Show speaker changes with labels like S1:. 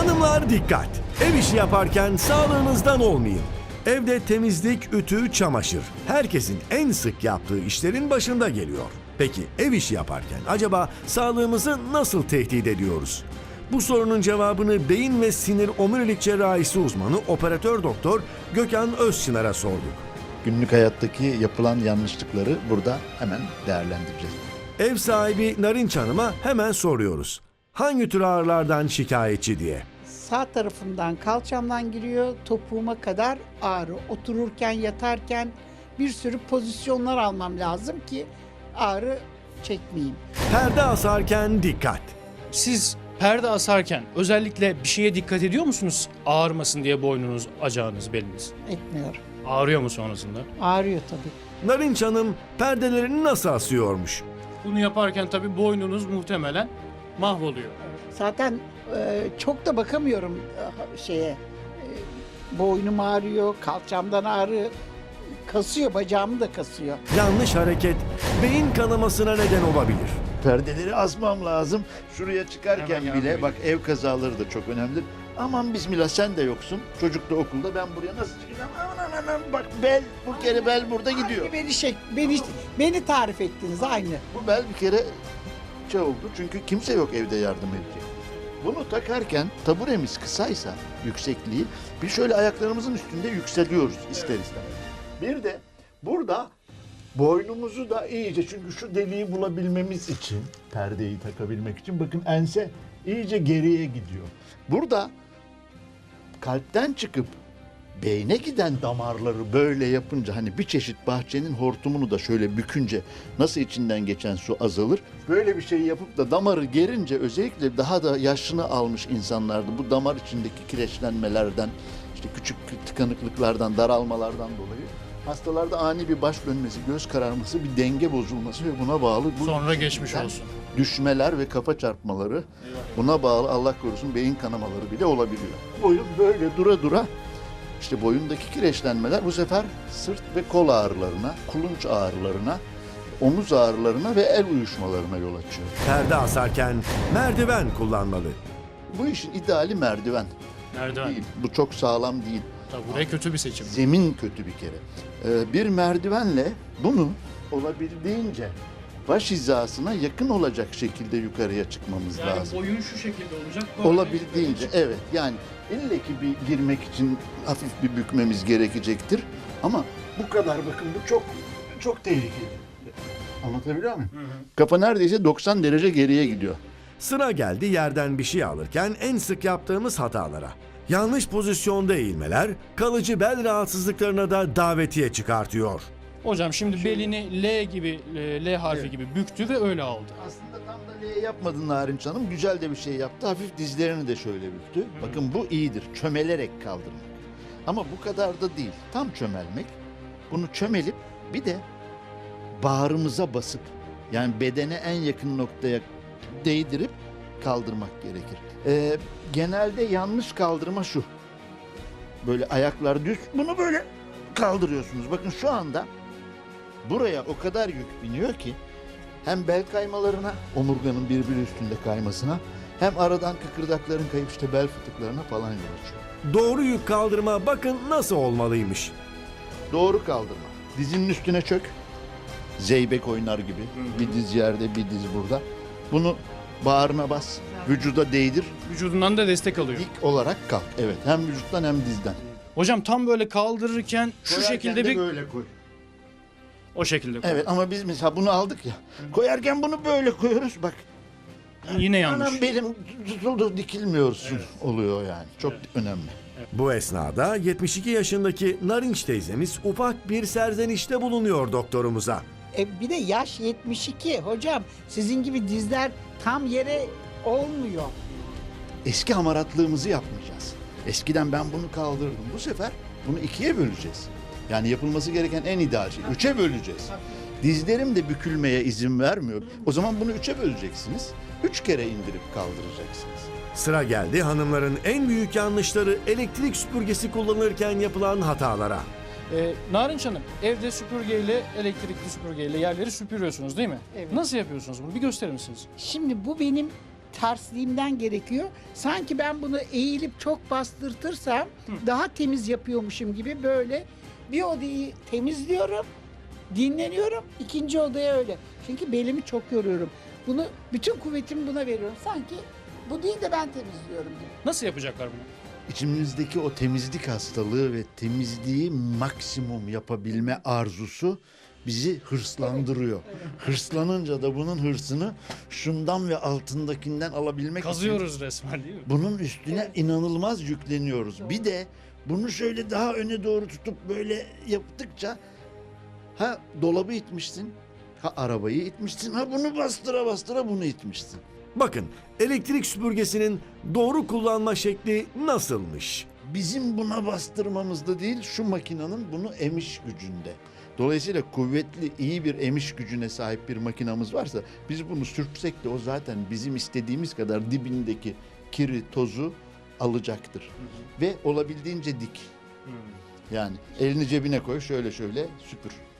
S1: Hanımlar dikkat! Ev işi yaparken sağlığınızdan olmayın. Evde temizlik, ütü, çamaşır. Herkesin en sık yaptığı işlerin başında geliyor. Peki ev işi yaparken acaba sağlığımızı nasıl tehdit ediyoruz? Bu sorunun cevabını beyin ve sinir omurilik cerrahisi uzmanı operatör doktor Gökhan Özçınar'a sorduk.
S2: Günlük hayattaki yapılan yanlışlıkları burada hemen değerlendireceğiz.
S1: Ev sahibi Narinç Hanım'a hemen soruyoruz. Hangi tür ağrılardan şikayetçi diye.
S3: Sağ tarafından kalçamdan giriyor, topuğuma kadar ağrı. Otururken, yatarken bir sürü pozisyonlar almam lazım ki ağrı çekmeyeyim.
S1: Perde asarken dikkat.
S4: Siz perde asarken özellikle bir şeye dikkat ediyor musunuz? Ağrımasın diye boynunuz, acağınız, beliniz.
S3: Etmiyorum.
S4: Ağrıyor mu sonrasında?
S3: Ağrıyor tabii.
S1: Narinç Hanım perdelerini nasıl asıyormuş?
S4: Bunu yaparken tabii boynunuz muhtemelen mahvoluyor.
S3: Zaten çok da bakamıyorum şeye. Boynum ağrıyor, kalçamdan ağrı kasıyor, bacağımı da kasıyor.
S1: Yanlış hareket beyin kanamasına neden olabilir.
S2: Perdeleri asmam lazım. Şuraya çıkarken
S4: Hemen
S2: bile
S4: yardım
S2: bak ev kazaları da çok önemlidir. Aman bismillah sen de yoksun. Çocuk da okulda, ben buraya nasıl çıkacağım? Aman bak bel, bu kere bel burada gidiyor.
S3: Aynı beni tarif ettiniz aynı.
S2: Bu bel bir kere şey oldu çünkü kimse yok evde yardım edecek. Bunu takarken taburemiz kısaysa yüksekliği bir şöyle ayaklarımızın üstünde yükseliyoruz ister istemez. Bir de burada boynumuzu da iyice, çünkü şu deliği bulabilmemiz için, perdeyi takabilmek için bakın ense iyice geriye gidiyor. Burada kalpten çıkıp beyne giden damarları böyle yapınca, hani bir çeşit bahçenin hortumunu da şöyle bükünce nasıl içinden geçen su azalır. Böyle bir şey yapıp da damarı gerince, özellikle daha da yaşını almış insanlarda bu damar içindeki kireçlenmelerden, işte küçük tıkanıklıklardan, daralmalardan dolayı hastalarda ani bir baş dönmesi, göz kararması, bir denge bozulması ve buna bağlı
S4: Sonra geçmiş
S2: Yani
S4: olsun.
S2: düşmeler ve kafa çarpmaları, buna bağlı Allah korusun beyin kanamaları bile olabiliyor. Boyun böyle dura dura, işte boyundaki kireçlenmeler bu sefer sırt ve kol ağrılarına, kulunç ağrılarına, omuz ağrılarına ve el uyuşmalarına yol açıyor.
S1: Perde asarken merdiven kullanmalı.
S2: Bu işin ideali merdiven
S4: Merdiven.
S2: değil. Bu çok sağlam değil.
S4: Tabii buraya kötü bir seçim.
S2: Zemin kötü bir kere. Bir merdivenle bunu olabildiğince baş hizasına yakın olacak şekilde yukarıya çıkmamız lazım.
S4: boyun şu şekilde olacak.
S2: Olabildiğince evet, yani ille ki bir girmek için hafif bir bükmemiz gerekecektir. Ama bu kadar, bakın bu çok tehlikeli. Anlatabiliyor muyum? Kafa neredeyse 90 derece geriye gidiyor.
S1: Sıra geldi yerden bir şey alırken en sık yaptığımız hatalara. Yanlış pozisyonda eğilmeler kalıcı bel rahatsızlıklarına da davetiye çıkartıyor.
S4: Hocam şimdi belini L gibi, L harfi
S2: Evet.
S4: gibi büktü ve öyle aldı.
S2: Aslında tam da L yapmadın Narinç Hanım. Güzel de bir şey yaptı. Hafif dizlerini de şöyle büktü. Bakın bu iyidir. Çömelerek kaldırmak. Ama bu kadar da değil. Tam çömelmek. Bunu çömelip bir de bağrımıza basıp, yani bedene en yakın noktaya değdirip kaldırmak gerekir. Genelde yanlış kaldırma şu. Böyle ayaklar düz. Bunu böyle kaldırıyorsunuz. Bakın şu anda buraya o kadar yük biniyor ki hem bel kaymalarına, omurganın birbiri üstünde kaymasına, hem aradan kıkırdakların kayıp işte bel fıtıklarına falan yol açıyor.
S1: Doğru yük kaldırma bakın nasıl olmalıymış.
S2: Doğru kaldırma. Dizinin üstüne çök. Zeybek oynar gibi. Bir diz yerde, bir diz burada. Bunu bağrına bas. Vücuda değdir.
S4: Vücudundan da destek alıyor.
S2: Dik olarak kalk. Evet. Hem vücuttan hem dizden.
S4: Hocam tam böyle kaldırırken şu
S2: Koyarken
S4: şekilde
S2: de
S4: bir
S2: böyle koy.
S4: o şekilde koy.
S2: Evet, ama biz mesela bunu aldık ya. Koyarken bunu böyle koyuyoruz. Bak.
S4: Yine yanlış.
S2: Anam benim tutuldu, dikilmiyorsun oluyor yani. Çok önemli.
S1: Bu esnada 72 yaşındaki Narinç teyzemiz ufak bir serzenişte bulunuyor doktorumuza.
S3: Bir de yaş 72 hocam. Sizin gibi dizler tam yere olmuyor.
S2: Eski hamaratlığımızı yapmayacağız. Eskiden ben bunu kaldırdım. Bu sefer bunu ikiye böleceğiz. Yani yapılması gereken en ideal şey. 3'e böleceğiz. Dizlerim de bükülmeye izin vermiyor. O zaman bunu 3'e böleceksiniz. 3 kere indirip kaldıracaksınız.
S1: Sıra geldi hanımların en büyük yanlışları elektrik süpürgesi kullanırken yapılan hatalara.
S4: Narinç Hanım, evde süpürgeyle, elektrikli süpürgeyle yerleri süpürüyorsunuz değil mi?
S3: Evet.
S4: Nasıl yapıyorsunuz bunu? Bir gösterir misiniz?
S3: Şimdi bu benim tersliğimden gerekiyor. Sanki ben bunu eğilip çok bastırtırsam daha temiz yapıyormuşum gibi böyle bir odayı temizliyorum, dinleniyorum, ikinci odaya öyle. Çünkü belimi çok yoruyorum. Bunu, bütün kuvvetimi buna veriyorum. Sanki bu değil de ben temizliyorum gibi.
S4: Nasıl yapacaklar bunu?
S2: İçimizdeki o temizlik hastalığı ve temizliği maksimum yapabilme arzusu bizi hırslandırıyor. Hırslanınca da bunun hırsını şundan ve altındakinden alabilmek için
S4: Kazıyoruz resmen değil mi?
S2: bunun üstüne inanılmaz yükleniyoruz. Bir de bunu şöyle daha öne doğru tutup böyle yaptıkça ha dolabı itmişsin, ha arabayı itmişsin, ha bunu bastıra bastıra bunu itmişsin.
S1: Bakın, elektrik süpürgesinin doğru kullanma şekli nasılmış?
S2: Bizim buna bastırmamızda değil, şu makinenin bunu emiş gücünde. Dolayısıyla kuvvetli, iyi bir emiş gücüne sahip bir makinamız varsa biz bunu sürtsek de o zaten bizim istediğimiz kadar dibindeki kiri, tozu alacaktır. Ve olabildiğince dik. Yani elini cebine koy, şöyle şöyle süpür.